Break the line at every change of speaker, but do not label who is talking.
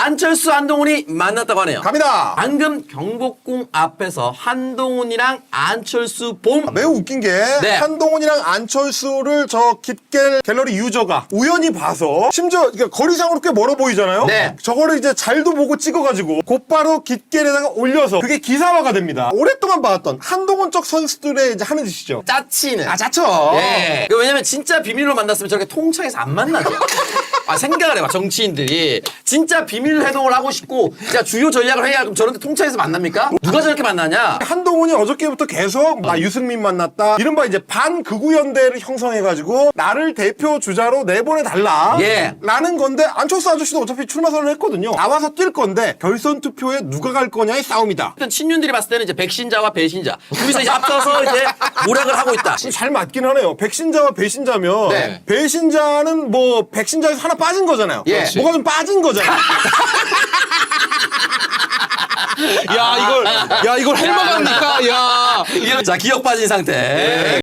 안철수, 한동훈이 만났다고 하네요.
갑니다.
방금 경복궁 앞에서 한동훈이랑 안철수 봄.
매우 웃긴 게
네.
한동훈이랑 안철수를 저 깃갤 갤러리 유저가 우연히 봐서 심지어 그러니까 거리상으로 꽤 멀어 보이잖아요.
네.
저거를 이제 잘도 보고 찍어가지고 곧바로 깃갤에다가 올려서 그게 기사화가 됩니다. 오랫동안 봐왔던 한동훈 쪽 선수들의 이제 하는 짓이죠.
짜치는.
짜쳐.
예. 왜냐면 진짜 비밀로 만났으면 저렇게 통창에서 안 만나죠. 생각을 해봐, 정치인들이. 진짜 비밀 회동을 하고 싶고, 진짜 주요 전략을 해야 그럼 저런데 통창에서 만납니까? 누가 저렇게 만나냐?
한동훈이 어저께부터 계속 나 유승민 만났다. 이른바 이제 반극우연대를 형성해가지고 나를 대표 주자로 내보내달라.
예.
라는 건데 안철수 아저씨도 어차피 출마 선언을 했거든요. 나와서 뛸 건데 결선 투표에 누가 갈 거냐의 싸움이다.
일단 친윤들이 봤을 때는 이제 백신자와 배신자. 둘이서 이제 합쳐서 이제 모략을 하고 있다.
잘 맞긴 하네요. 백신자와 배신자면
네.
배신자는 뭐 백신자에서 하나 빠진 거잖아요.
예.
뭐가 좀 빠진 거잖아요.
야, 이걸 할만합니까? 야.
자, 기억 빠진 상태.